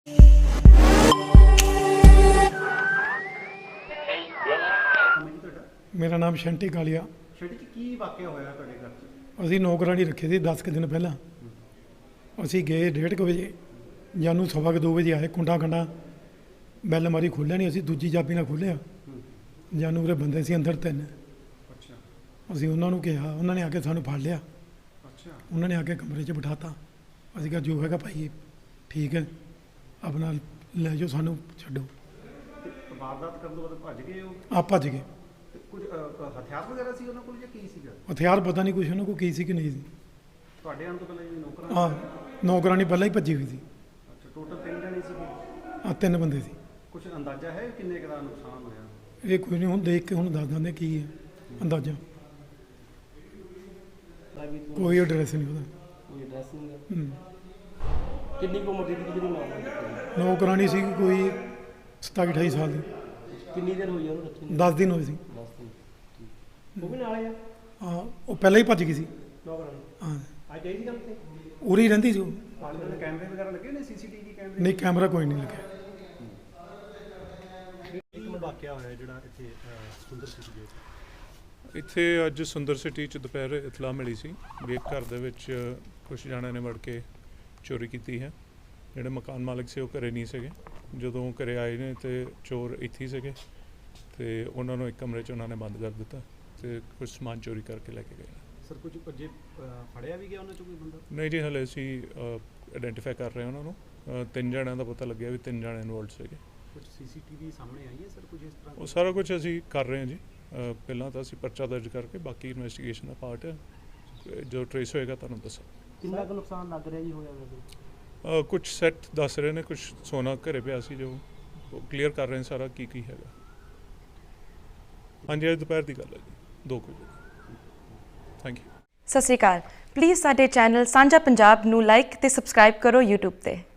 मेरा नाम शंटी कालिया। ਸ਼ੈਟੀ ਜੀ ਕੀ ਵਾਕਿਆ ਹੋਇਆ ਤੁਹਾਡੇ ਘਰ 'ਚ? ਅਸੀਂ ਨੌਕਰਾਣੀ ਰੱਖੇ ਸੀ 10 ਕੁ ਦਿਨ ਪਹਿਲਾਂ। ਅਸੀਂ ਗਏ 1:30 ਵਜੇ, ਜਾਨੂੰ 2:15 ਵਜੇ ਆਏ। ਕੁੰਡਾ ਕੰਡਾ ਬੈਲ ਮਾਰੀ, ਖੋਲ੍ਹਿਆ ਨਹੀਂ। ਅਸੀਂ ਦੂਜੀ ਚਾਬੀ ਨਾਲ ਖੋਲ੍ਹਿਆ। ਜਾਨੂੰ ਉਹਦੇ ਬੰਦੇ ਸੀ ਅੰਦਰ 3। ਅੱਛਾ ਅਸੀਂ ਉਹਨਾਂ ਨੂੰ ਕਿਹਾ, ਉਹਨਾਂ ਨੇ ਆ ਕੇ ਸਾਨੂੰ ਫੜ ਲਿਆ। ਅੱਛਾ ਉਹਨਾਂ ਨੇ ਆ ਕੇ ਕਮਰੇ 'ਚ ਬਿਠਾਤਾ। ਅਸੀਂ ਕਿਹਾ ਜੋ ਹੈਗਾ ਭਾਈ ਠੀਕ ਹੈ, ਆਪਣਾ ਲੈ ਜਾਓ, ਸਾਨੂੰ ਛੱਡੋ। ਤੇ ਵਾਰਦਾਤ ਕਰਨ ਤੋਂ ਬਾਅਦ ਭੱਜ ਗਏ ਉਹ? ਆਪ ਭੱਜ ਗਏ। ਤੇ ਕੁਝ ਹਥਿਆਰ ਵਗੈਰਾ ਸੀ ਉਹਨਾਂ ਕੋਲ ਜਾਂ ਕੀ ਸੀਗਾ? ਹਥਿਆਰ ਪਤਾ ਨਹੀਂ ਕੁਛ ਉਹਨਾਂ ਕੋਲ ਕੀ ਸੀ ਕਿ ਨਹੀਂ ਸੀ। ਤੁਹਾਡੇ ਆਉਣ ਤੋਂ ਪਹਿਲਾਂ ਜੀ ਨੌਕਰਾਂ? ਹਾਂ, ਨੌਕਰਾਣੀ ਪਹਿਲਾਂ ਹੀ ਭੱਜੀ ਹੋਈ ਸੀ। ਅੱਛਾ, ਟੋਟਲ 3 ਜਣੇ ਸੀਗੇ? 3 ਬੰਦੇ ਸੀ। ਕੁਝ ਅੰਦਾਜ਼ਾ ਹੈ ਕਿੰਨੇ ਕੁ ਦਾ ਨੁਕਸਾਨ ਹੋਇਆ? ਇਹ ਕੋਈ ਨਹੀਂ, ਹੁਣ ਦੇਖ ਕੇ ਹੁਣ ਦੱਸ ਦਿੰਦੇ ਕੀ ਹੈ ਅੰਦਾਜ਼ਾ। ਕੋਈ ਐਡਰੈਸ ਨਹੀਂ ਉਹਦਾ। ਕੋਈ ਐਡਰੈਸ ਨਹੀਂ ਹੈ। ਕਿੰਨੀ ਕੁ ਉਮਰ ਦੀ ਜਿਹੜੀ ਮਾਂ? ਨੌਕਰਾਣੀ ਸੀ ਕੋਈ 27-28 ਸਾਲ ਦੀ। ਕਿੰਨੀ ਦੇਰ ਹੋਈ ਉਹਨੂੰ ਰੱਖੀ ਨੂੰ? 10 ਦਿਨ ਹੋਏ ਸੀ। 10 ਦਿਨ। ਉਹ ਵੀ ਨਾਲੇ ਆ? ਹਾਂ, ਉਹ ਪਹਿਲਾਂ ਹੀ ਭੱਜ ਗਈ ਸੀ। ਨੌਕਰਾਨੀ ਹਾਂ, ਅੱਜ ਆਈ ਸੀ ਕੰਮ ਤੇ? ਉਰੇ ਹੀ ਰਹਿੰਦੀ ਸੀ ਉਹ। ਆਲੇ ਦੇ ਕੈਮਰੇ ਵਗੈਰਾ ਲੱਗੇ ਨੇ, ਸੀਸੀਟੀਵੀ ਕੈਮਰੇ? ਨਹੀਂ, ਕੈਮਰਾ ਕੋਈ ਨਹੀਂ ਲੱਗਿਆ। ਇੱਕ ਮਿੰਟ ਵਾਕਿਆ ਹੋਇਆ ਜਿਹੜਾ ਇੱਥੇ ਸੁੰਦਰ ਸਿਟੀ ਦੇ ਇੱਥੇ ਅੱਜ ਸੁੰਦਰ ਸਿਟੀ 'ਚ ਦੁਪਹਿਰ ਇਤਲਾਹ ਮਿਲੀ ਸੀ ਵੀ ਇੱਕ ਘਰ ਦੇ ਵਿੱਚ ਕੁਝ ਜਣਿਆਂ ਨੇ ਵੜ ਕੇ ਚੋਰੀ ਕੀਤੀ ਹੈ। ਜਿਹੜੇ ਮਕਾਨ ਮਾਲਕ ਸੀ ਉਹ ਘਰੇ ਨਹੀਂ ਸੀਗੇ। ਜਦੋਂ ਘਰੇ ਆਏ ਨੇ ਤੇ ਚੋਰ ਇੱਥੇ ਹੀ ਸੀਗੇ ਤੇ ਉਹਨਾਂ ਨੂੰ ਇੱਕ ਕਮਰੇ 'ਚ ਉਹਨਾਂ ਨੇ ਬੰਦ ਕਰ ਦਿੱਤਾ ਤੇ ਕੁਝ ਸਮਾਨ ਚੋਰੀ ਕਰਕੇ ਲੈ ਕੇ ਗਏ। ਸਰ ਕੁਝ ਜੇ ਫੜਿਆ ਵੀ ਗਿਆ ਉਹਨਾਂ 'ਚੋਂ ਕੋਈ ਬੰਦਾ? ਨਹੀਂ ਜੀ, ਹਲੇ ਅਸੀਂ ਆਇਡੈਂਟੀਫਾਈ ਕਰ ਰਹੇ ਹਾਂ ਉਹਨਾਂ ਨੂੰ। 3 ਜਣਿਆਂ ਦਾ ਪਤਾ ਲੱਗਿਆ ਵੀ 3 ਜਣੇ ਇਨਵੋਲਡ ਸੀਗੇ। ਕੁਝ ਸੀਸੀਟੀਵੀ ਸਾਹਮਣੇ ਆਈ ਹੈ ਸਰ ਕੁਝ ਇਸ ਤਰ੍ਹਾਂ? ਉਹ ਸਾਰਾ ਕੁਝ ਅਸੀਂ ਕਰ ਰਹੇ ਹਾਂ ਜੀ। ਪਹਿਲਾਂ ਤਾਂ ਅਸੀਂ ਪਰਚਾ ਦਰਜ ਕਰਕੇ ਬਾਕੀ ਇਨਵੈਸਟੀਗੇਸ਼ਨ ਦਾ ਪਾਰਟ ਹੈ। ਜੋ ਟਰੇਸ ਹੋਏਗਾ ਤੁਹਾਨੂੰ ਦੱਸਾਂ। ਕਿੰਨਾ ਕੁ ਨੁਕਸਾਨ ਲੱਗ ਰਿਹਾ ਜੀ ਹੋਇਆ ਵੈਸੇ? ਕੁਝ ਸੈੱਟ ਦੱਸ ਰਹੇ ਨੇ, ਕੁਝ ਸੋਨਾ ਘਰੇ ਪਿਆ ਸੀ ਜੋ ਕਲੀਅਰ ਕਰ ਰਹੇ ਨੇ ਸਾਰਾ ਕੀ ਹੈਗਾ। ਹਾਂਜੀ, ਅੱਜ ਦੁਪਹਿਰ ਦੀ ਗੱਲ ਹੈ ਜੀ, 2 ਵਜੇ। Thank you. ਸਤਿ ਸ਼੍ਰੀ ਅਕਾਲ। ਪਲੀਜ਼ ਸਾਡੇ ਚੈਨਲ ਸਾਂਝਾ ਪੰਜਾਬ ਨੂੰ ਲਾਈਕ ਤੇ ਸਬਸਕ੍ਰਾਈਬ ਕਰੋ YouTube ਤੇ।